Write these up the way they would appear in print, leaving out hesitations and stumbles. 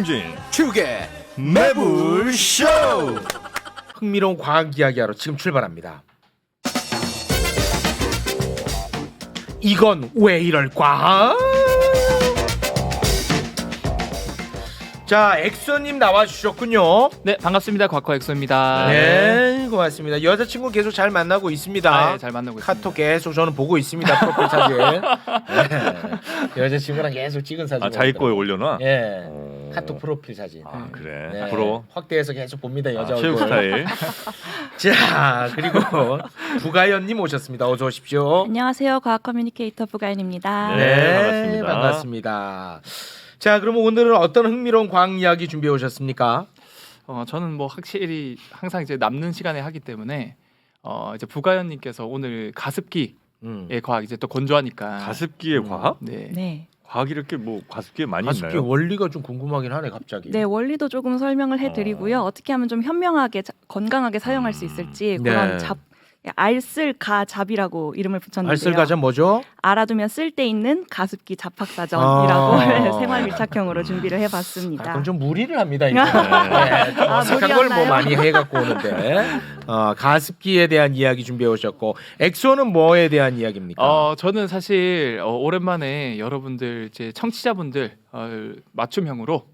김용진 축의 매불쇼. 흥미로운 과학 이야기하러 지금 출발합니다. 이건 왜 이럴까? 자, 엑소님 나와주셨군요. 네, 반갑습니다. 곽화 엑소입니다. 네, 고맙습니다. 여자친구 계속 잘 만나고 있습니다. 네, 잘 만나고 있습니다. 카톡 계속 저는 보고 있습니다. 프로필 사진. 네. 여자친구랑 계속 찍은 사진. 아, 자기 거에 올려놔? 예. 카톡 프로필 사진. 아, 그래. 네. 부러워. 확대해서 계속 봅니다. 여자 체육 얼굴. 스타일. 자, 그리고 부가연님 오셨습니다. 어서 오십시오. 안녕하세요. 과학 커뮤니케이터 부가연입니다. 네, 반갑습니다. 반갑습니다. 자, 그러면 오늘은 어떤 흥미로운 과학 이야기 준비해 오셨습니까? 저는 뭐 확실히 항상 이제 남는 시간에 하기 때문에 이제 부가연님께서 오늘 가습기의 과학 이제 또 건조하니까 가습기의 과학? 네. 네. 과학이 이렇게 뭐 가습기에 많이 가습기 있나요? 원리가 좀 궁금하긴 하네 갑자기. 네, 원리도 조금 설명을 해드리고요. 어떻게 하면 좀 현명하게 건강하게 사용할 수 있을지 네. 그런 알쓸가잡이라고 이름을 붙였는데요. 알쓸가잡 뭐죠? 알아두면 쓸데 있는 가습기 잡학사전이라고 아. 생활 밀착형으로 준비를 해봤습니다. 그럼 좀 무리를 합니다. 이거. 네. 네, 좀 아, 어색한 걸 뭐 무리였나요? 많이 해갖고 오는데 가습기에 대한 이야기 준비해 오셨고 엑소는 뭐에 대한 이야기입니까? 저는 사실 오랜만에 여러분들 이제 청취자분들 맞춤형으로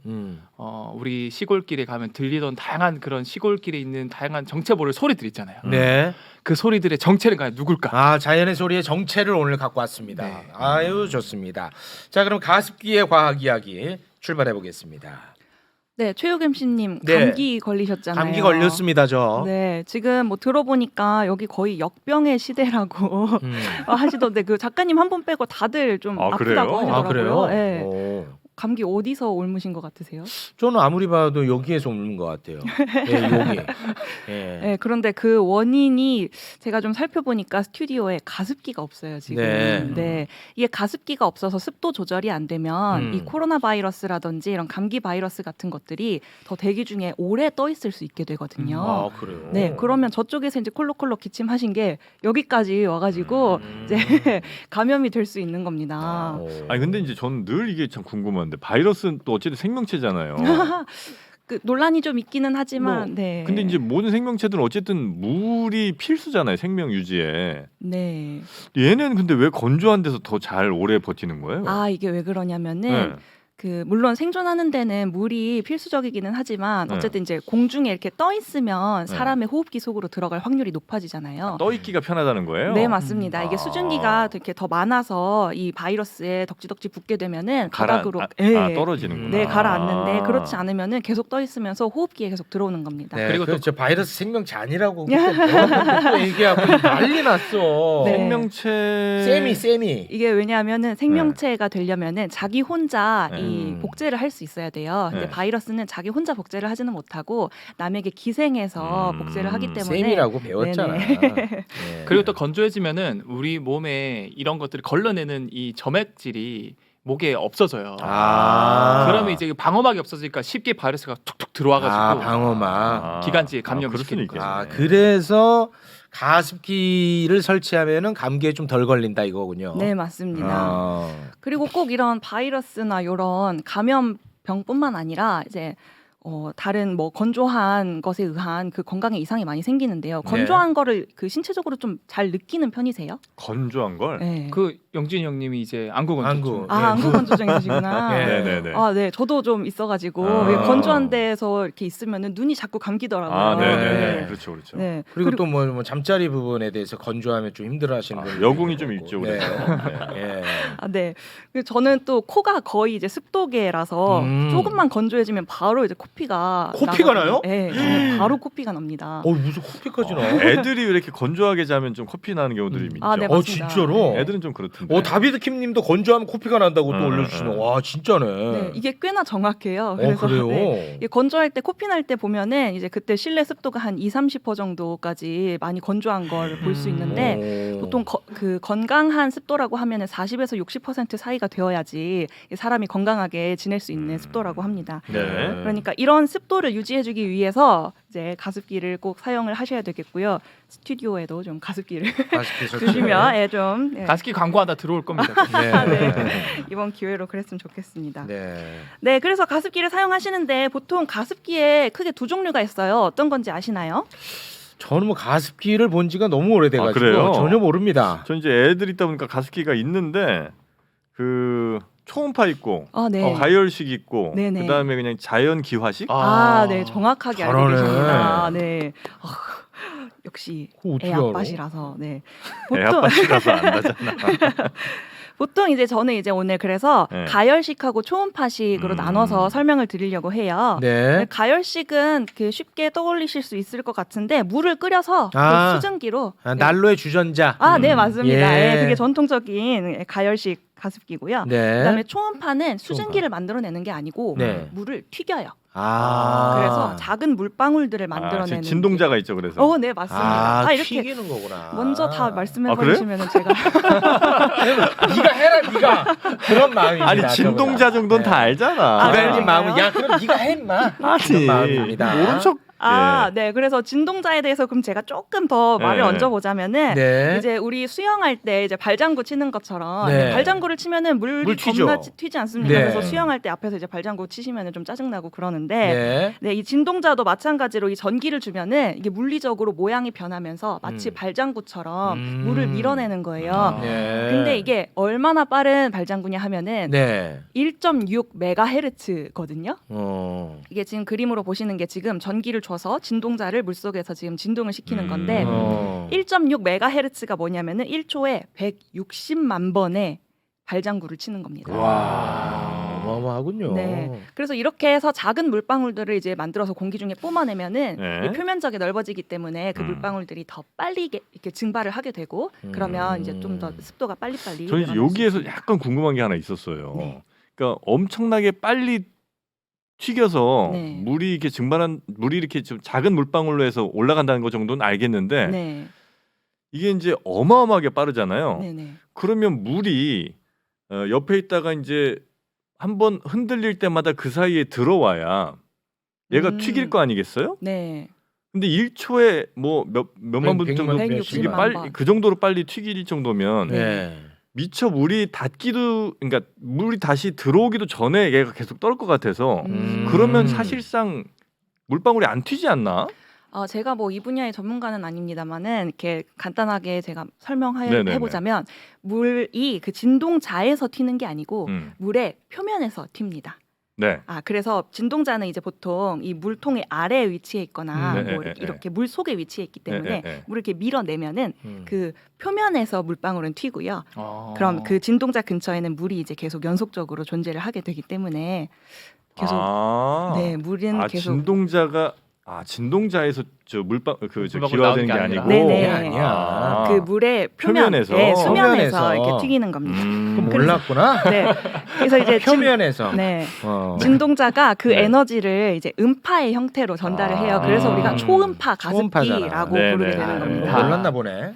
우리 시골길에 가면 들리던 다양한 그런 시골길에 있는 다양한 정체모를 소리들 있잖아요. 네. 그 소리들의 정체는 과연 누굴까? 아, 자연의 소리의 정체를 오늘 갖고 왔습니다. 네. 아유, 좋습니다. 자, 그럼 가습기의 과학 이야기 출발해 보겠습니다. 네, 최욱 MC님 네. 감기 걸리셨잖아요. 감기 걸렸습니다, 저. 네, 지금 뭐 들어보니까 여기 거의 역병의 시대라고 하시던데 그 작가님 한 분 빼고 다들 좀 아, 아프다고 그래요? 아, 하더라고요. 그래요? 네. 오. 감기 어디서 옮으신 것 같으세요? 저는 아무리 봐도 여기에서 옮는 것 같아요. 네, 여기. 예. 네, 그런데 그 원인이 제가 좀 살펴보니까 스튜디오에 가습기가 없어요 지금. 네. 이게 가습기가 없어서 습도 조절이 안 되면 이 음. 코로나 바이러스라든지 이런 감기 바이러스 같은 것들이 더 대기 중에 오래 떠 있을 수 있게 되거든요. 아, 그래요. 네, 그러면 저쪽에서 이제 콜록콜록 기침하신 게 여기까지 와가지고 이제 감염이 될 수 있는 겁니다. 오. 아니 근데 이제 저는 늘 이게 참 궁금한데 바이러스는 또 어쨌든 생명체잖아요. 그 논란이 좀 있기는 하지만, 뭐, 네. 근데 이제 모든 생명체들은 어쨌든 물이 필수잖아요. 생명 유지에. 네. 얘는 근데 왜 건조한 데서 더 잘 오래 버티는 거예요? 아 이게 왜 그러냐면은. 네. 그 물론 생존하는 데는 물이 필수적이기는 하지만 네. 어쨌든 이제 공중에 이렇게 떠 있으면 네. 사람의 호흡기 속으로 들어갈 확률이 높아지잖아요. 떠 있기가 편하다는 거예요? 네 맞습니다. 이게 아. 수증기가 이렇게 더 많아서 이 바이러스에 덕지덕지 붙게 되면은 바닥으로 떨어지는구나. 네 가라앉는데 그렇지 않으면은 계속 떠 있으면서 호흡기에 계속 들어오는 겁니다. 네, 그리고 그리고 또- 저 바이러스 생명체 아니라고 또 얘기하고 난리 났어. 네. 생명체 세미. 이게 왜냐하면은 생명체가 되려면은 자기 혼자 네. 이 복제를 할 수 있어야 돼요. 근데 네. 바이러스는 자기 혼자 복제를 하지는 못하고 남에게 기생해서 복제를 하기 때문에 셈이라고 배웠잖아. 네네. 네. 그리고 또 건조해지면은 우리 몸에 이런 것들을 걸러내는 이 점액질이 목에 없어져요. 그러면 이제 방어막이 없어지니까 쉽게 바이러스가 툭툭 들어와가지고 방어막. 기관지에 감염을 그럴 수는 시키는 거예요. 있겠네. 그래서 가습기를 설치하면은 감기에 좀 덜 걸린다 이거군요. 네 맞습니다. 아. 그리고 꼭 이런 바이러스나 이런 감염병뿐만 아니라 이제 다른 뭐 건조한 것에 의한 그 건강에 이상이 많이 생기는데요. 건조한 거를 그 신체적으로 좀 잘 느끼는 편이세요? 건조한 걸. 네. 그 영진이 형님이 이제 안구 건조증. 안구. 안구 건조증 있으시구나. 네. 네네네. 아, 네. 저도 좀 있어가지고 아. 이게 건조한 데서 이렇게 있으면은 눈이 자꾸 감기더라고요. 아, 네네네. 네. 그렇죠, 그렇죠. 네. 그리고 또 뭐 잠자리 부분에 대해서 건조하면 좀 힘들어하시는 분들 여궁이 좀 있죠, 네. 그래서. 예. 아, 네. 그리고 저는 또 코가 거의 이제 습도계라서 조금만 건조해지면 바로 이제 코피가 코피가 나거든요. 나요? 네, 저는 바로 코피가 납니다. 무슨 코피까지 나? 애들이 왜 이렇게 건조하게 자면 좀 코피 나는 경우들이 있죠. 아, 네, 맞습니다. 진짜로? 애들은 좀 그렇던데. 다비드 킴님도 건조하면 코피가 난다고 또 올려주시네. 와 진짜네. 네, 이게 꽤나 정확해요. 그래요? 네, 이게 건조할 때 코피 날 때 보면은 이제 그때 실내 습도가 한 20-30% 정도까지 많이 건조한 걸 볼 수 있는데 보통 그 건강한 습도라고 하면은 40에서 60% 사이가 되어야지 사람이 건강하게 지낼 수 있는 습도라고 합니다. 네. 그러니까 이런 습도를 유지해주기 위해서 이제 가습기를 꼭 사용을 하셔야 되겠고요. 스튜디오에도 좀 가습기를 가습기 설치. 주시면 좀 가습기 광고 하나 들어올 겁니다. 네. 이번 기회로 그랬으면 좋겠습니다. 네. 네, 그래서 가습기를 사용하시는데 보통 가습기에 크게 두 종류가 있어요. 어떤 건지 아시나요? 저는 뭐 가습기를 본 지가 너무 오래돼가지고 그래요? 전혀 모릅니다. 전 이제 애들 있다 보니까 가습기가 있는데 그 초음파 있고 네. 가열식 있고 네네. 그다음에 그냥 자연 기화식. 네, 정확하게 알고 잘하네. 계십니다. 네, 역시 그거 어떻게 애 알아? 아빠시라서 네. 애 아빠시라서 안다잖아. 보통 이제 저는 이제 오늘 그래서 네. 가열식하고 초음파식으로 나눠서 설명을 드리려고 해요. 네. 가열식은 그 쉽게 떠올리실 수 있을 것 같은데 물을 끓여서 그 수증기로 난로의 주전자. 네, 맞습니다. 예. 그게 전통적인 가열식 가습기고요. 네. 그다음에 초음파는 수증기를 만들어내는 게 아니고 네. 물을 튀겨요. 그래서 그래서 작은 물방울들을 만들어내는 진동자가 있죠. 그래서. 네, 맞습니다. 이렇게 튀기는 거구나. 먼저 다 말씀해 그래요? 버리시면 제가 네가 해라 네가 그런 마음입니다. 아니 진동자 정도는 다 알잖아. 기다리는 그런가요? 마음은 야 그럼 네가 해 임마. 그런 마음입니다. 모른 척. 네. 그래서 진동자에 대해서 그럼 제가 조금 더 말을 네. 얹어보자면은 네. 이제 우리 수영할 때 이제 발장구 치는 것처럼 네. 발장구를 치면은 물이 물 튀죠. 겁나 튀지 않습니까? 네. 그래서 수영할 때 앞에서 이제 발장구 치시면은 좀 짜증나고 그러는데 네. 네, 이 진동자도 마찬가지로 이 전기를 주면은 이게 물리적으로 모양이 변하면서 마치 발장구처럼 물을 밀어내는 거예요. 네. 근데 이게 얼마나 빠른 발장구냐 하면은 네. 1.6 메가헤르츠거든요. 어. 이게 지금 그림으로 보시는 게 지금 전기를 줘서 진동자를 물속에서 지금 진동을 시키는 건데 1.6 메가헤르츠가 뭐냐면은 1초에 160만 번의 발장구를 치는 겁니다. 와. 어마어마하군요. 네. 그래서 이렇게 해서 작은 물방울들을 이제 만들어서 공기 중에 뿜어내면은 네. 이게 표면적이 넓어지기 때문에 그 물방울들이 더 빨리 이렇게 증발을 하게 되고 그러면 이제 좀 더 습도가 빨리빨리. 저는 이제 늘어날 수 여기에서 있습니다. 약간 궁금한 게 하나 있었어요. 네. 그러니까 엄청나게 빨리 튀겨서 네. 물이 이렇게 좀 작은 물방울로 해서 올라간다는 것 정도는 알겠는데 네. 이게 이제 어마어마하게 빠르잖아요. 네네. 그러면 물이 옆에 있다가 이제 한번 흔들릴 때마다 그 사이에 들어와야 얘가 튀길 거 아니겠어요? 네. 근데 1초에 뭐 몇만 분 정도 160만 이게 빨리 번. 그 정도로 빨리 튀길 정도면 네. 미처 물이 닿기도 그러니까 물이 다시 들어오기도 전에 얘가 계속 떨 것 같아서 그러면 사실상 물방울이 안 튀지 않나? 제가 뭐 이 분야의 전문가는 아닙니다만은 이렇게 간단하게 제가 설명해 네네네. 보자면 물이 그 진동자에서 튀는 게 아니고 물의 표면에서 튑니다. 네. 그래서 진동자는 이제 보통 이 물통의 아래에 위치해 있거나 네, 뭐 네, 이렇게 물 속에 위치해 있기 때문에 네. 물을 이렇게 밀어내면은 그 표면에서 물방울은 튀고요. 아. 그럼 그 진동자 근처에는 물이 이제 계속 연속적으로 존재를 하게 되기 때문에 계속 네, 물은 계속 진동자에서 저 물방 저 물방울 기화되는 게 나오는 게 아니고 네네. 아니야. 그 물의 표면에서? 네, 수면에서 표면에서. 이렇게 튀기는 겁니다. 그럼 몰랐구나. 네. 그래서 이제 표면에서. 네. 어. 진동자가 그 네. 에너지를 이제 음파의 형태로 전달을 해요. 그래서 우리가 초음파 초음파잖아. 가습기라고 네, 부르게 네. 되는 겁니다. 몰랐나 보네.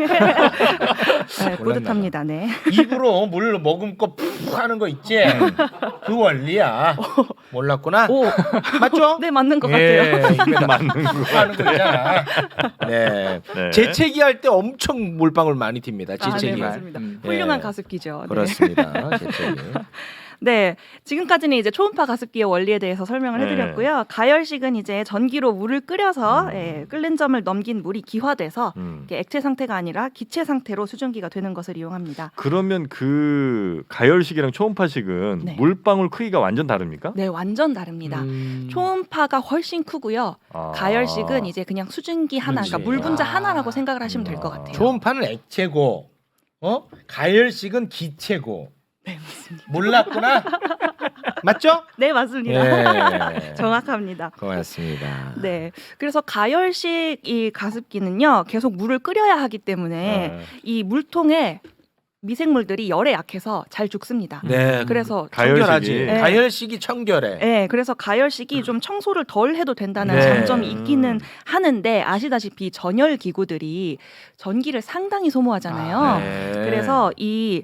네, 뿌듯합니다. 네. 입으로 물 머금고 푹 하는 거 있지? 그 원리야. 몰랐구나. 오, 맞죠? 네 맞는 것 예, 같아요. 입에다 맞는 거 하는 거 있잖아. 네. 네. 재채기 할 때 엄청 물방울 많이 튑니다. 네, 재채기. 맞습니다. 음. 훌륭한 예. 가습기죠. 네. 그렇습니다. 재채기. 네, 지금까지는 이제 초음파 가습기의 원리에 대해서 설명을 네. 해드렸고요. 가열식은 이제 전기로 물을 끓여서 끓는 점을 넘긴 물이 기화돼서 이게 액체 상태가 아니라 기체 상태로 수증기가 되는 것을 이용합니다. 그러면 그 가열식이랑 초음파식은 네. 물방울 크기가 완전 다릅니까? 네, 완전 다릅니다. 초음파가 훨씬 크고요. 가열식은 이제 그냥 수증기 하나, 그렇지. 그러니까 물 분자 하나라고 생각을 하시면 될 것 같아요. 초음파는 액체고, 가열식은 기체고. 네, 맞습니다. 몰랐구나. 맞죠? 네, 맞습니다. 예. 정확합니다. 고맙습니다. 네, 그래서 가열식 이 가습기는요 계속 물을 끓여야 하기 때문에 이 물통에 미생물들이 열에 약해서 잘 죽습니다. 네. 그래서 청결하지. 가열식이. 가열식이 청결해. 네, 그래서 가열식이 좀 청소를 덜 해도 된다는 네. 장점이 있기는 하는데 아시다시피 전열 기구들이 전기를 상당히 소모하잖아요. 네. 그래서 이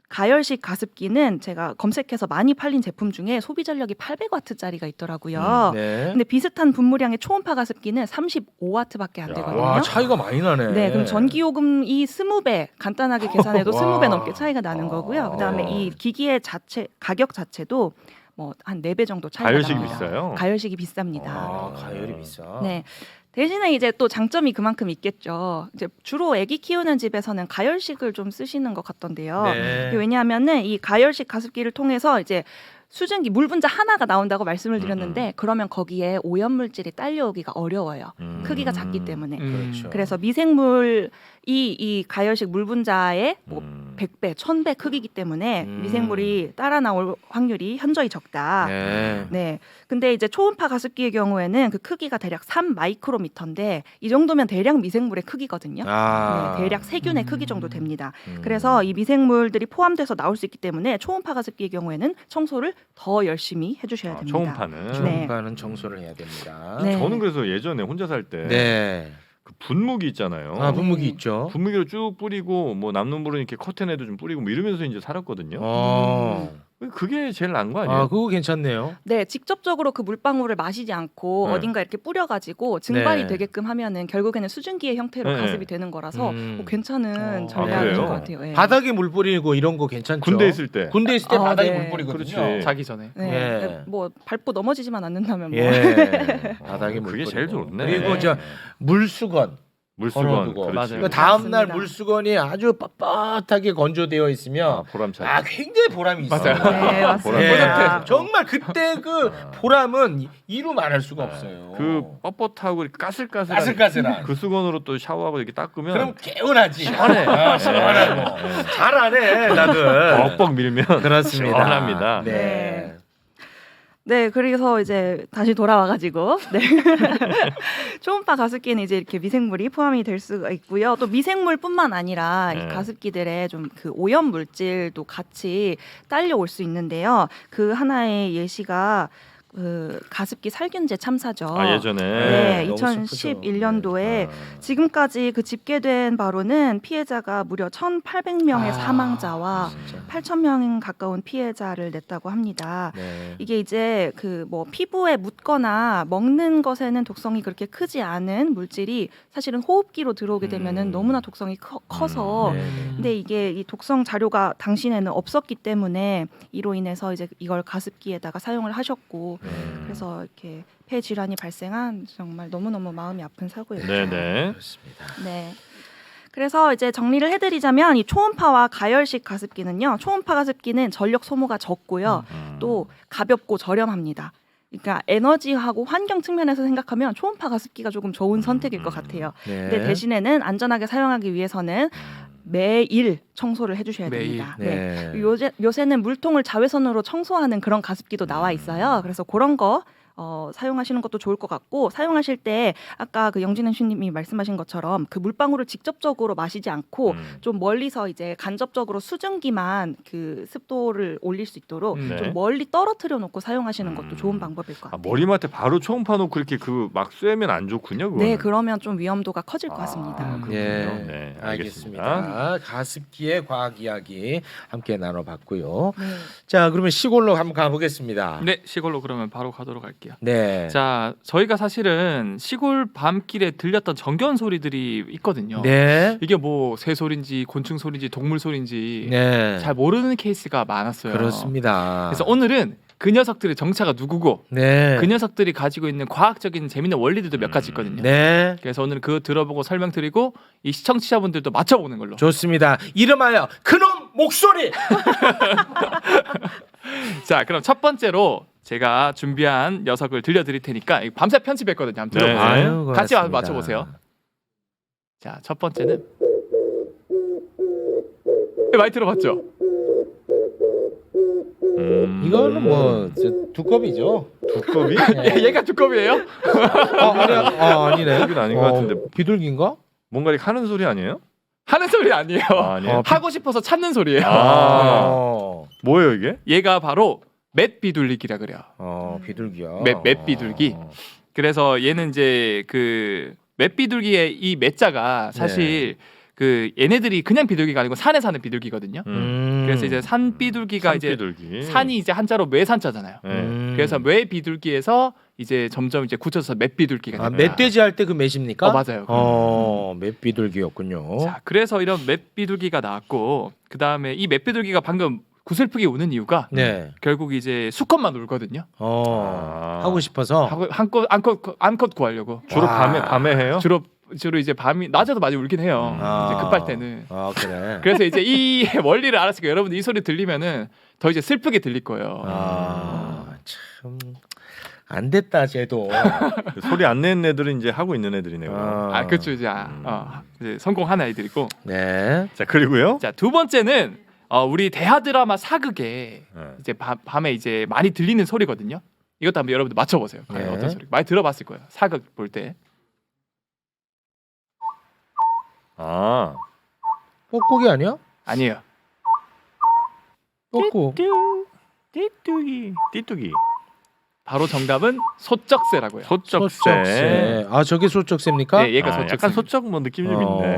가열식 가습기는 제가 검색해서 많이 팔린 제품 중에 소비 전력이 800와트짜리가 있더라고요. 네. 근데 비슷한 분무량의 초음파 가습기는 35와트밖에 안 되거든요. 와 차이가 많이 나네. 네, 그럼 전기 요금이 20배 간단하게 계산해도 와. 20배 넘게 차이가 나는 거고요. 그다음에 이 기기의 자체 가격 자체도 뭐 한 4배 정도 차이가 가열식 납니다. 비싸요. 가열식이 비쌉니다. 아 가열이 비싸. 네. 대신에 이제 또 장점이 그만큼 있겠죠. 이제 주로 아기 키우는 집에서는 가열식을 좀 쓰시는 것 같던데요. 네. 왜냐하면은 이 가열식 가습기를 통해서 이제 수증기 물 분자 하나가 나온다고 말씀을 드렸는데 그러면 거기에 오염 물질이 딸려오기가 어려워요. 크기가 작기 때문에. 그렇죠. 그래서 미생물이 이 가열식 물 분자의 뭐 100배, 1000배 크기이기 때문에 미생물이 따라 나올 확률이 현저히 적다. 네. 네. 근데 이제 초음파 가습기의 경우에는 그 크기가 대략 3마이크로미터인데 이 정도면 대략 미생물의 크기거든요. 아. 네, 대략 세균의 크기 정도 됩니다. 그래서 이 미생물들이 포함돼서 나올 수 있기 때문에 초음파 가습기의 경우에는 청소를 더 열심히 해주셔야 됩니다. 초음파는. 네. 초음파는 청소를 해야 됩니다. 네. 저는 그래서 예전에 혼자 살 때 네. 그 분무기 있잖아요. 아 분무기 있죠. 분무기로 쭉 뿌리고 뭐 남는 물은 이렇게 커튼에도 좀 뿌리고 뭐 이러면서 이제 살았거든요. 그게 제일 나은 거 아니에요? 아 그거 괜찮네요. 네, 직접적으로 그 물방울을 마시지 않고 네. 어딘가 이렇게 뿌려가지고 증발이 네. 되게끔 하면은 결국에는 수증기의 형태로 네. 가습이 되는 거라서 괜찮은 어. 전략인 아, 그래요? 것 같아요. 네. 바닥에 물 뿌리고 이런 거 괜찮죠. 군대 있을 때. 군대 있을 때 아, 바닥에 네. 물 뿌리거든요. 그렇지. 자기 전에. 네. 예. 뭐 밟고 넘어지지만 않는다면 뭐. 예. 바닥에 물 그게 뿌리고. 제일 좋네. 그리고 네. 저 물수건 물수건. 걸어두고. 그렇지. 맞아요. 그 다음 날 맞습니다. 물수건이 아주 빳빳하게 건조되어 아, 있으면 보람차지. 아 굉장히 보람이 있어요. 맞아요. 네, 맞습니다. 예. 정말 그때 그 보람은 이루 말할 수가 없어요. 그 뻣뻣하고 이렇게 까슬까슬한 까슬까슬한. 그 수건으로 또 샤워하고 이렇게 닦으면 그럼 개운하지. 시원해. 아, 시원하고. 잘하네, 나들. 뻑뻑 밀면 그렇습니다. 시원합니다. 네. 네, 그래서 이제 다시 돌아와가지고 네. 초음파 가습기는 이제 이렇게 미생물이 포함이 될 수가 있고요. 또 미생물뿐만 아니라 네. 이 가습기들의 좀 그 오염 물질도 같이 딸려올 수 있는데요. 그 하나의 예시가 그 가습기 살균제 참사죠. 아 예전에 네, 너무 슬프죠. 2011년도에 아. 지금까지 그 집계된 바로는 피해자가 무려 1,800명의 아, 사망자와 진짜. 8,000명 가까운 피해자를 냈다고 합니다. 네. 이게 이제 그 뭐 피부에 묻거나 먹는 것에는 독성이 그렇게 크지 않은 물질이 사실은 호흡기로 들어오게 되면은 너무나 독성이 커서 네. 근데 이게 이 독성 자료가 당시에는 없었기 때문에 이로 인해서 이제 이걸 가습기에다가 사용을 하셨고 그래서 이렇게 폐 질환이 발생한 정말 너무너무 마음이 아픈 사고였죠. 네네. 그렇습니다. 네. 그래서 이제 정리를 해드리자면 이 초음파와 가열식 가습기는요. 초음파 가습기는 전력 소모가 적고요. 또 가볍고 저렴합니다. 그러니까 에너지하고 환경 측면에서 생각하면 초음파 가습기가 조금 좋은 선택일 것 같아요. 네. 근데 대신에는 안전하게 사용하기 위해서는 매일 청소를 해주셔야 매일. 됩니다. 네. 요새는 물통을 자외선으로 청소하는 그런 가습기도 나와 있어요. 그래서 그런 거 사용하시는 것도 좋을 것 같고 사용하실 때 아까 그 영진은 씨님이 말씀하신 것처럼 그 물방울을 직접적으로 마시지 않고 좀 멀리서 이제 간접적으로 수증기만 그 습도를 올릴 수 있도록 네. 좀 멀리 떨어뜨려 놓고 사용하시는 것도 좋은 방법일 것 아, 같아요. 머리맡에 바로 초음파 놓고 이렇게 그 막 쐬면 안 좋군요. 그거는. 네, 그러면 좀 위험도가 커질 것 같습니다. 그렇군요. 네, 네, 알겠습니다. 가습기의 과학 이야기 함께 나눠봤고요. 네. 자, 그러면 시골로 한번 가보겠습니다. 네, 시골로 그러면 바로 가도록 할게요. 네. 자, 저희가 사실은 시골 밤길에 들렸던 정겨운 소리들이 있거든요. 네. 이게 뭐 새 소리인지 곤충 소리인지 동물 소리인지 네. 잘 모르는 케이스가 많았어요. 그렇습니다. 그래서 오늘은 그 녀석들의 정체가 누구고 네. 그 녀석들이 가지고 있는 과학적인 재미있는 원리들도 몇 가지 있거든요. 네. 그래서 오늘 그거 들어보고 설명드리고 이 시청자분들도 맞춰보는 걸로. 좋습니다. 이름하여 그놈 목소리. 자, 그럼 첫 번째로 제가 준비한 녀석을 들려드릴 테니까 이거 밤새 편집했거든요. 한번 네. 들어보세요. 아유, 같이 고맙습니다. 맞춰보세요. 자, 첫 번째는 많이 들어봤죠? 이거는 뭐 두꺼비죠. 두꺼비? 얘가 두꺼비예요? 아니네. 두꺼비는 아닌 것 같은데 비둘기인가? 뭔가 이렇게 하는 소리 아니에요? 하는 소리 아니에요. 아, 아니에요? 하고 싶어서 찾는 소리예요. 뭐예요 이게? 얘가 바로 맷비둘기라 그래요. 비둘기야. 맷비둘기. 그래서 얘는 이제 그 맷비둘기의 이 맷자가 사실 그 얘네들이 그냥 비둘기가 아니고 산에 사는 비둘기거든요. 그래서 이제 산 비둘기가 이제 산비둘기. 산이 이제 한자로 매산자잖아요. 네. 그래서 매 비둘기에서 이제 점점 이제 굳혀서 맷 비둘기가 아, 됩니다. 멧돼지 할 때 그 맷입니까? 맞아요. 멧비둘기였군요. 자, 그래서 이런 맷 비둘기가 나왔고 그 다음에 이 맷 비둘기가 방금 구슬프게 우는 이유가 네. 결국 이제 수컷만 울거든요. 하고 싶어서 하고 암컷 구하려고 주로 와. 밤에 해요? 주로 이제 밤이 낮에도 많이 울긴 해요. 이제 급할 때는. 아 그래. 그래서 이제 이 원리를 알았으니까 여러분들 이 소리 들리면은 더 이제 슬프게 들릴 거예요. 참 안 됐다 쟤도. 소리 안 내는 애들은 이제 하고 있는 애들이네요. 그렇죠 이제, 이제 성공한 아이들이고. 네. 자 그리고요. 자, 두 번째는 우리 대하 드라마 사극에 네. 이제 밤에 이제 많이 들리는 소리거든요. 이것도 한번 여러분들 맞춰보세요. 과연 네. 어떤 소리? 많이 들어봤을 거예요. 사극 볼 때. 아 뻐꾸기 아니야? 아니에요. 뻐꾸. 띠뚜기. 바로 정답은 소쩍새라고요. 소쩍새. 아 저게 소쩍새입니까? 네, 얘가 아, 소쩍새. 약간 소쩍 뭐 느낌이 좀 있네.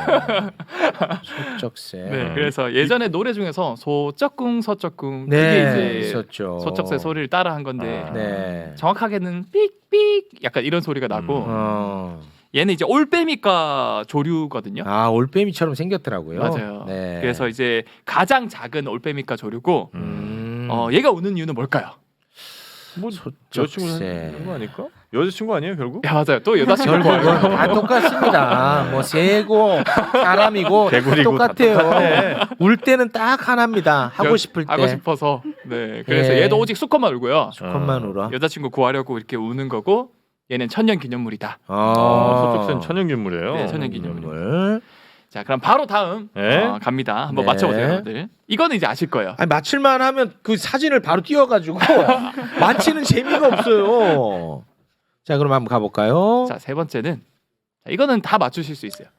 소쩍새. 네, 그래서 예전에 노래 중에서 소쩍궁 소쩍궁 네, 그게 이제 있었죠. 소쩍새 소리를 따라한 건데 아. 네. 정확하게는 삑삑 약간 이런 소리가 나고 얘는 이제 올빼미과 조류거든요. 아 올빼미처럼 생겼더라고요. 맞아요. 네. 그래서 이제 가장 작은 올빼미과 조류고 얘가 우는 이유는 뭘까요? 뭐 소쩍새. 여자친구 하는 거 아닐까? 여자친구 아니에요 결국? 야, 맞아요. 또 여자친구 결국은 구하려고. 다 똑같습니다. 뭐 새고 사람이고 개구리고 똑같아요. 다 똑같네. 울 때는 딱 하나입니다. 하고 싶을 때. 하고 싶어서. 네. 그래서 예. 얘도 오직 수컷만 울고요. 수컷만 울어. 여자친구 구하려고 이렇게 우는 거고 얘는 천년기념물이다. 소쩍새는 천연균물이에요. 네, 천연기념물. 물. 자, 그럼 바로 다음 네. 갑니다. 한번 네. 맞춰보세요, 여러분들. 이거는 이제 아실 거예요. 아니 맞힐만 하면 그 사진을 바로 띄워가지고 맞히는 재미가 없어요. 자 그럼 한번 가볼까요? 자, 세 번째는 이거는 다 맞추실 수 있어요.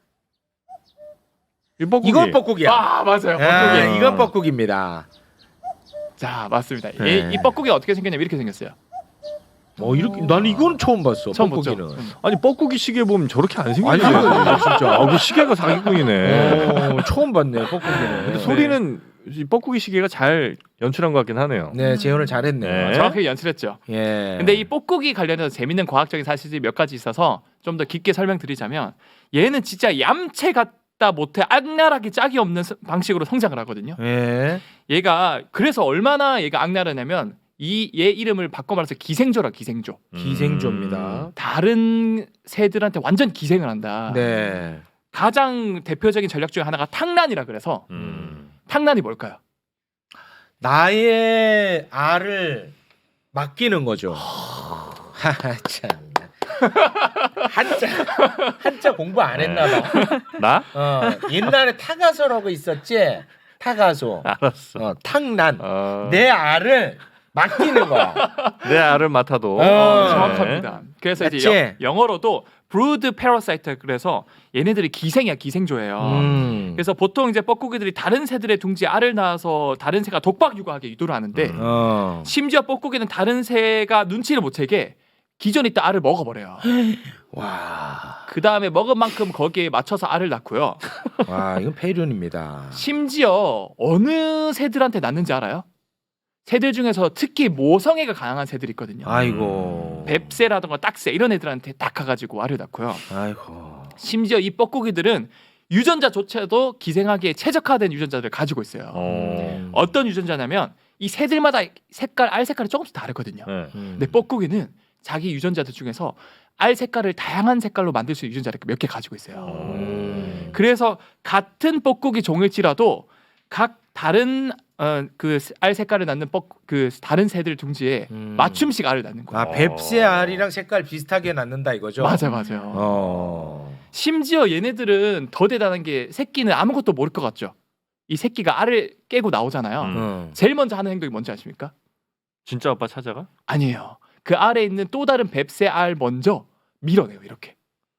이뻐꾸기. 이건 뻐꾸기야. 아, 맞아요. 아, 뻐꾸기. 이건 뻐꾸기입니다. 자, 맞습니다. 네. 이 뻐꾸기가 어떻게 생겼냐면 이렇게 생겼어요. 이렇게 나는 이건 처음 봤어. 처음 봤죠? 뻐꾸기는. 아니 뻐꾸기 시계 보면 저렇게 안 생기지. 아니 진짜. 그 시계가 사기꾼이네. 처음 봤네 뻐꾸기는. 근데 소리는 이 뻐꾸기 시계가 잘 연출한 것 같긴 하네요. 네 재현을 잘했네요. 네. 정확하게 연출했죠. 예. 근데 이 뻐꾸기 관련해서 재밌는 과학적인 사실이 몇 가지 있어서 좀 더 깊게 설명드리자면 얘는 진짜 얌체 같다 못해 악랄하게 짝이 없는 방식으로 성장을 하거든요. 예. 얘가 그래서 얼마나 얘가 악랄하냐면 얘 이름을 바꿔 말해서 기생조라 기생조. 기생조입니다. 다른 새들한테 완전 기생을 한다. 네. 가장 대표적인 전략 중에 하나가 탕란이라 그래서 탕란이 뭘까요? 나의 알을 맡기는 거죠. 하하 참. 한자 공부 안 했나 봐. 나? 옛날에 타가소라고 있었지. 타가소. 알았어. 탕란. 어, 내 알을 맡기는 거야. 내 알을 맡아도. 정확합니다. 그래서 이제 맞지? 영어로도 brood parasite 그래서 얘네들이 기생이야 기생조예요. 그래서 보통 이제 뻐꾸기들이 다른 새들의 둥지에 알을 낳아서 다른 새가 독박 육아하게 유도를 하는데 심지어 뻐꾸기는 다른 새가 눈치를 못 채게 기존에 있던 알을 먹어버려요. 와. 그 다음에 먹은 만큼 거기에 맞춰서 알을 낳고요. 와 이건 폐륜입니다. 심지어 어느 새들한테 낳는지 알아요? 새들 중에서 특히 모성애가 강한 새들이 있거든요. 아이고. 뱁새라든가 딱새 이런 애들한테 딱 가가지고 알을 낳고요. 아이고. 심지어 이 뻐꾸기들은 유전자조차도 기생하기에 최적화된 유전자들을 가지고 있어요. 어떤 유전자냐면 이 새들마다 알 색깔이 조금씩 다르거든요. 네. 근데 뻐꾸기는 자기 유전자들 중에서 알 색깔을 다양한 색깔로 만들 수 있는 유전자를 몇 개 가지고 있어요. 그래서 같은 뻐꾸기 종일지라도 각 다른 그 알 색깔을 낳는 그 다른 새들 둥지에 맞춤식 알을 낳는 거예요. 아 뱁새 알이랑 색깔 비슷하게 낳는다 이거죠? 맞아요. 심지어 얘네들은 더 대단한 게 새끼는 아무것도 모를 것 같죠. 이 새끼가 알을 깨고 나오잖아요. 제일 먼저 하는 행동이 뭔지 아십니까? 진짜 아빠 찾아가? 아니에요. 그 알에 있는 또 다른 뱁새 알 먼저 밀어내요 이렇게.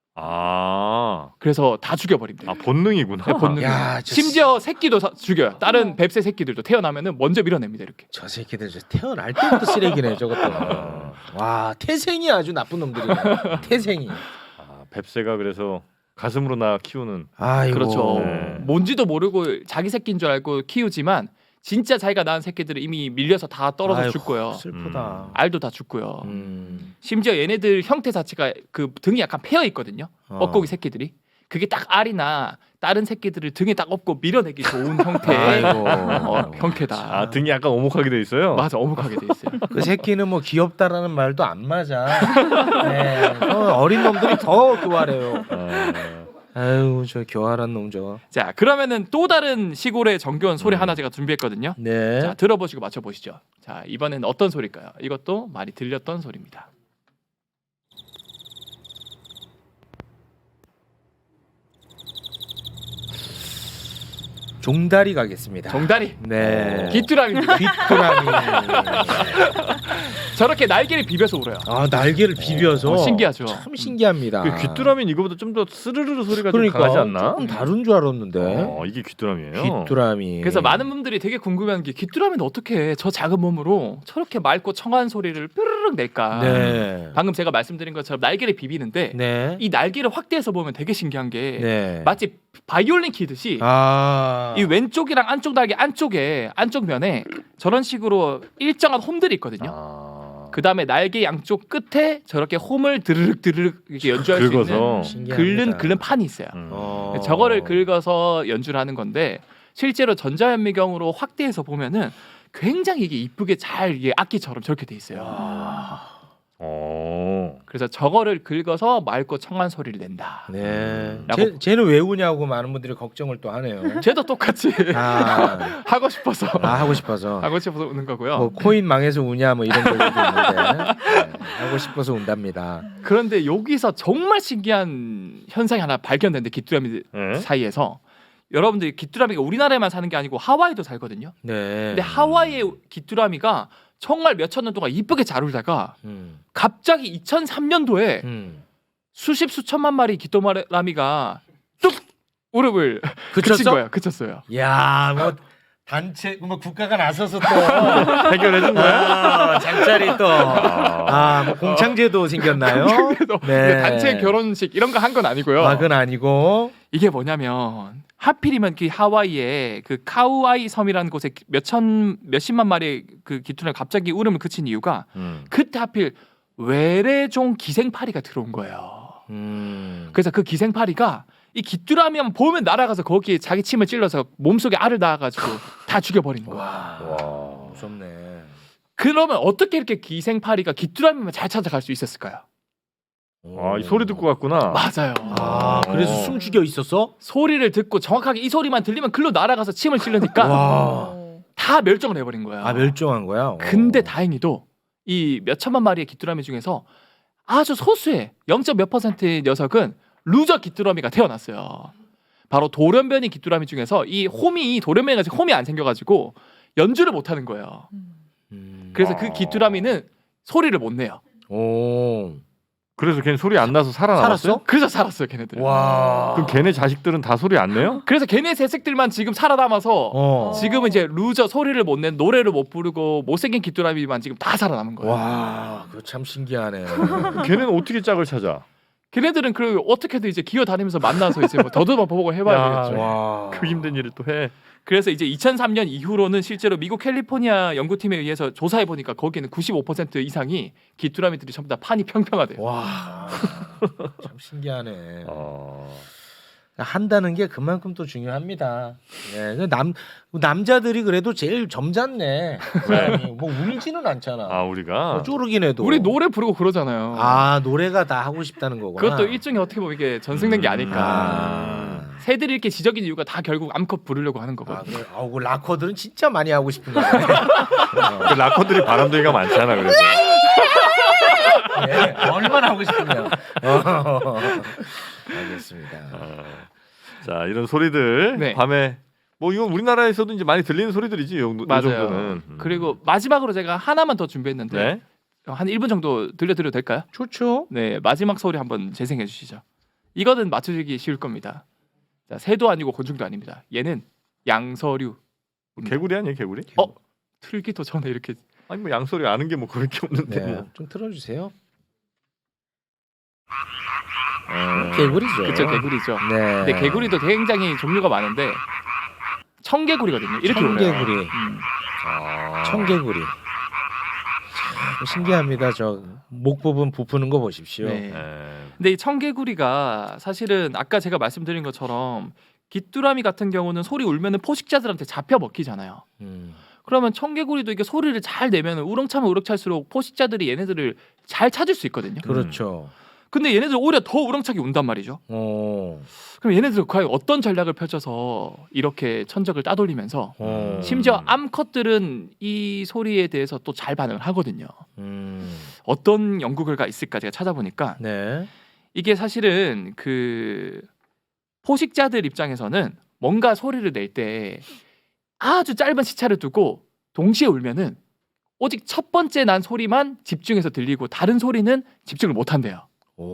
그래서 다 죽여버립니다. 본능이구나. 네, 본능. 야, 심지어 새끼도 죽여요. 다른 뱁새 새끼들도 태어나면은 먼저 밀어냅니다 이렇게. 저 새끼들 저 태어날 때부터 쓰레기네 저것도. 와 태생이 아주 나쁜 놈들이네. 태생이. 뱁새가 그래서 가슴으로 키우는. 아이고. 그렇죠. 네. 뭔지도 모르고 자기 새끼인 줄 알고 키우지만 진짜 자기가 낳은 새끼들은 이미 밀려서 다 떨어져 아이고, 죽고요. 슬프다. 알도 다 죽고요. 음. 심지어 얘네들 형태 자체가 그 등이 약간 패여 있거든요. 어. 뻐꾸기 새끼들이. 그게 딱 알이나 다른 새끼들을 등에 딱 업고 밀어내기 좋은 형태의 아이고. 형태다. 아 등이 약간 오목하게 돼 있어요. 맞아, 어묵하게 돼 있어요. 그 새끼는 뭐 귀엽다라는 말도 안 맞아. 네. 어린 놈들이 더 교활해요. 아유 저 교활한 놈 저거. 자, 그러면은 또 다른 시골의 정겨운 소리 음. 하나 제가 준비했거든요. 네. 자, 들어보시고 맞춰보시죠. 자, 이번에는 어떤 소리일까요? 이것도 많이 들렸던 소리입니다. 종다리 가겠습니다. 종다리. 네. 귀뚜라미입니다. 귀뚜라미. 저렇게 날개를 비벼서 울어요. 아 날개를 비벼서. 신기하죠. 참 신기합니다. 그 귀뚜라미는 이거보다 좀 더 스르르르 소리가 그러니까 좀 강하지 않나? 조금 다른 줄 알았는데. 이게 귀뚜라미예요. 귀뚜라미. 그래서 많은 분들이 되게 궁금해하는 게 귀뚜라미는 어떻게 저 작은 몸으로 저렇게 맑고 청아한 소리를 뾰르륵 낼까? 네. 방금 제가 말씀드린 것처럼 날개를 비비는데 네. 이 날개를 확대해서 보면 되게 신기한 게 네. 마치 바이올린 키듯이 아. 이 왼쪽이랑 안쪽 날개 안쪽에 안쪽 면에 저런 식으로 일정한 홈들이 있거든요. 그 다음에 날개 양쪽 끝에 저렇게 홈을 드르륵 드르륵 이렇게 연주할 긁어서. 수 있는 신기합니다. 긁는 판이 있어요. 어. 저거를 긁어서 연주를 하는 건데 실제로 전자현미경으로 확대해서 보면은 굉장히 이게 이쁘게 잘 이게 악기처럼 저렇게 돼 있어요. 그래서 저거를 긁어서 맑고 청한 소리를 낸다. 네. 라고- 쟤는 왜 우냐고 많은 분들이 걱정을 또 하네요. 쟤도 똑같이 아, 하고 싶어서 하고 싶어서. 하고 싶어서 우는 거고요. 뭐 코인 망해서 우냐 뭐 이런 얘기도 있는데 네, 하고 싶어서 운답니다. 그런데 여기서 정말 신기한 현상이 하나 발견됐는데 귀뚜라미 네? 사이에서 여러분들이 귀뚜라미가 우리나라에만 사는 게 아니고 하와이도 살거든요. 네. 근데 하와이의 귀뚜라미가 정말 몇천 년 동안 이쁘게 잘 울다가 갑자기 2003년도에 수십 수천만 마리 귀뚜라미가 뚝 무릎을 그친 거예요. 그쳤어요. 야, 뭐 단체 뭐 국가가 나서서 또 해결해준 거야? 잠자리 또 뭐 공창제도 생겼나요? 그래도 네. 단체 결혼식 이런 거 한 건 아니고요. 막은 아니고 이게 뭐냐면 하필이면 그 하와이의 그 카우아이 섬이라는 곳에 몇십만 마리의 그 귀뚜라미 갑자기 울음을 그친 이유가 그때 하필 외래종 기생파리가 들어온 거예요. 그래서 그 기생파리가 이 귀뚜라미만 보면 날아가서 거기에 자기 침을 찔러서 몸속에 알을 낳아가지고 다 죽여버린 거야. 와, 무섭네. 그러면 어떻게 이렇게 기생파리가 귀뚜라미만 잘 찾아갈 수 있었을까요? 이 소리 듣고 갔구나. 맞아요. 그래서 숨 죽여 있었어? 소리를 듣고 정확하게 이 소리만 들리면 글로 날아가서 침을 찔르니까 와. 다 멸종을 해버린 거야. 멸종한 거야. 근데 다행히도 이 몇천만 마리의 귀뚜라미 중에서 아주 소수의 0.몇 %의 녀석은 루저 귀뚜라미가 태어났어요. 바로 돌연변이 귀뚜라미 중에서 이 홈이 돌연변이가 홈이 안 생겨가지고 연주를 못하는 거예요. 그래서 그 귀뚜라미는 소리를 못 내요. 오. 그래서 걔는 소리 안 나서 살아남았어요? 살았어? 그래서 살았어요, 걔네들. 와. 그럼 걔네 자식들은 다 소리 안 내요? 그래서 걔네 새색들만 지금 살아남아서 지금은 이제 루저 소리를 못 낸 노래를 못 부르고 못생긴 귀뚜라미만 지금 다 살아남은 거예요. 와, 그거 참 신기하네. 걔네는 어떻게 짝을 찾아? 걔네들은 그 어떻게든 이제 기어다니면서 만나서 이제 뭐 더듬어 보고 해봐야 야, 되겠죠. 와. 그 힘든 일을 또 해. 그래서 이제 2003년 이후로는 실제로 미국 캘리포니아 연구팀에 의해서 조사해 보니까 거기는 95% 이상이 귀뚜라미들이 전부 다 판이 평평하대요. 와. 참 신기하네. 어... 한다는 게 그만큼 또 중요합니다. 네, 남자들이 그래도 제일 점잖네. 뭐 울지는 않잖아. 우리가 쪼르긴 해도. 우리 노래 부르고 그러잖아요. 노래가 다 하고 싶다는 거구나. 그것도 일종의 어떻게 보면 이게 전승된 게 아닐까. 새들이 이렇게 지적인 이유가 다 결국 암컷 부르려고 하는 거거든요. 그래. 그 락커들은 진짜 많이 하고 싶은가 보네. 그 락커들이 바람둥이가 많잖아. 그래서 네, 얼마나 하고 싶으면. 알겠습니다. 자 이런 소리들 네. 밤에 뭐 이건 우리나라에서도 이제 많이 들리는 소리들이지. 이 맞아요. 정도는. 그리고 마지막으로 제가 하나만 더 준비했는데 네. 한 1분 정도 들려드려도 될까요? 좋죠. 네, 마지막 소리 한번 재생해 주시죠. 이거는 맞추기 쉬울 겁니다. 자, 새도 아니고 곤충도 아닙니다. 얘는 양서류. 개구리 아니에요, 개구리? 틀기도 전에 이렇게 아니 뭐 양소리 아는 게 뭐 그럴 게 없는데 네, 뭐. 좀 틀어주세요. 개구리죠. 그렇죠, 개구리죠. 네. 근데 개구리도 굉장히 종류가 많은데 청개구리거든요. 이렇게 청개구리. 울어요. 청개구리. 참 신기합니다. 저 목 부분 부푸는 거 보십시오. 네. 근데 이 청개구리가 사실은 아까 제가 말씀드린 것처럼 귀뚜라미 같은 경우는 소리 울면은 포식자들한테 잡혀 먹히잖아요. 그러면 청개구리도 이게 소리를 잘 내면 우렁차면 우렁찰수록 포식자들이 얘네들을 잘 찾을 수 있거든요. 그렇죠. 근데 얘네들 오히려 더 우렁차게 운단 말이죠. 그럼 얘네들 과연 어떤 전략을 펼쳐서 이렇게 천적을 따돌리면서 심지어 암컷들은 이 소리에 대해서 또 잘 반응을 하거든요. 어떤 연구 결과 있을까 제가 찾아보니까 네. 이게 사실은 그 포식자들 입장에서는 뭔가 소리를 낼 때 아주 짧은 시차를 두고 동시에 울면은 오직 첫 번째 난 소리만 집중해서 들리고 다른 소리는 집중을 못 한대요.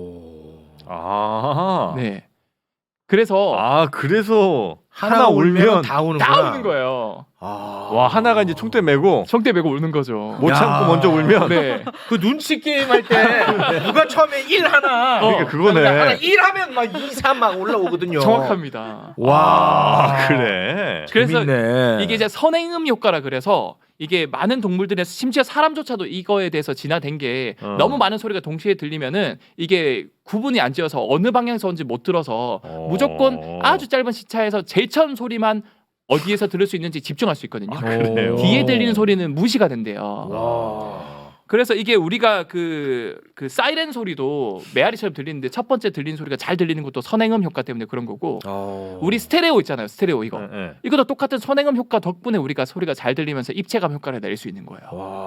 네. 그래서 그래서 하나 울면 다 우는구나. 다 우는 거예요. 와 하나가 이제 총대 메고 성대 메고 우는 거죠. 못 참고 먼저 울면 네. 그 눈치 게임 할 때 누가 처음에 1 하나 그러니까 그거네. 하나 1 하면 막 2, 3 막 올라오거든요. 정확합니다. 와. 그래. 그래서 재밌네. 이게 이제 선행음 효과라 그래서 이게 많은 동물들에서 심지어 사람조차도 이거에 대해서 진화된 게 너무 많은 소리가 동시에 들리면은 이게 구분이 안 지어서 어느 방향에서 온지 못 들어서 무조건 아주 짧은 시차에서 제일 처음 소리만 어디에서 들을 수 있는지 집중할 수 있거든요. 그래요? 뒤에 들리는 소리는 무시가 된대요. 와. 그래서 이게 우리가 그 사이렌 소리도 메아리처럼 들리는데 첫 번째 들리는 소리가 잘 들리는 것도 선행음 효과 때문에 그런 거고 우리 스테레오 있잖아요. 스테레오 이거. 네. 이것도 똑같은 선행음 효과 덕분에 우리가 소리가 잘 들리면서 입체감 효과를 낼 수 있는 거예요.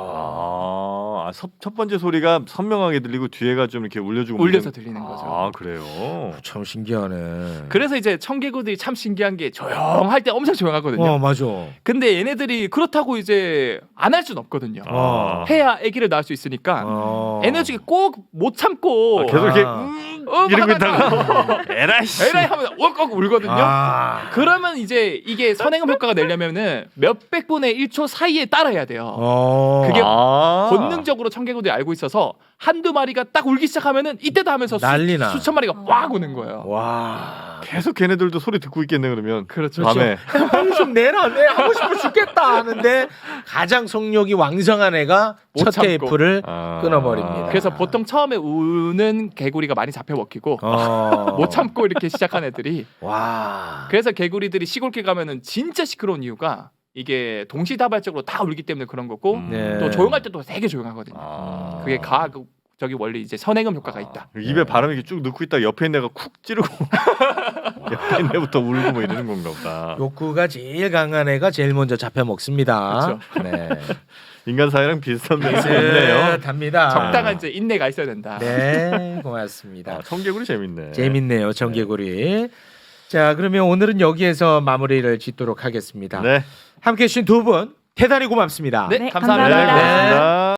첫 번째 소리가 선명하게 들리고 뒤에가 좀 이렇게 울려주고 울려서 들리는 거죠. 그래요. 참 신기하네. 그래서 이제 청개구들이 참 신기한 게 조용할 때 엄청 조용하거든요. 맞아. 근데 얘네들이 그렇다고 이제 안 할 수는 없거든요. 해야 아기를 낳을 수 있으니까 에너지가 꼭 못 참고 계속 이렇게 이러고 하다가 있다가 에라이씨 에라이 하면 욱욱 울거든요. 그러면 이제 이게 선행음 효과가 내려면은 몇백 분의 1초 사이에 따라야 돼요. 그게 본능적으로 청개구들이 알고 있어서 한두 마리가 딱 울기 시작하면은 이때도 하면서 난리나. 수천 마리가 꽉 우는 거예요. 와. 계속 걔네들도 소리 듣고 있겠네 그러면. 그렇죠. 밤에. 좀 내라. 내 하고 싶어 죽겠다 하는데 가장 성욕이 왕성한 애가 못 첫 참고. 테이프를 끊어버립니다. 그래서 보통 처음에 우는 개구리가 많이 잡혀 먹히고 못 참고 이렇게 시작한 애들이 와. 그래서 개구리들이 시골길 가면은 진짜 시끄러운 이유가 이게 동시다발적으로 다 울기 때문에 그런 거고 네. 또 조용할 때도 되게 조용하거든요. 그게 저기 원래 이제 선행음 효과가 있다. 입에 바람이 이렇게 쭉 넣고 있다가 옆에 있는 애가 쿡 찌르고 옆에 있는 애부터 울고 뭐 이러는 건가 보다. 욕구가 제일 강한 애가 제일 먼저 잡혀 먹습니다. 네. 인간 사회랑 비슷한 면이 있네요. 비슷합니다. 적당한 이제 인내가 있어야 된다. 네, 고맙습니다. 청개구리 재밌네. 재밌네요, 청개구리. 자, 그러면 오늘은 여기에서 마무리를 짓도록 하겠습니다. 네. 함께해 주신 두 분 대단히 고맙습니다. 네, 네, 감사합니다. 감사합니다. 고맙습니다.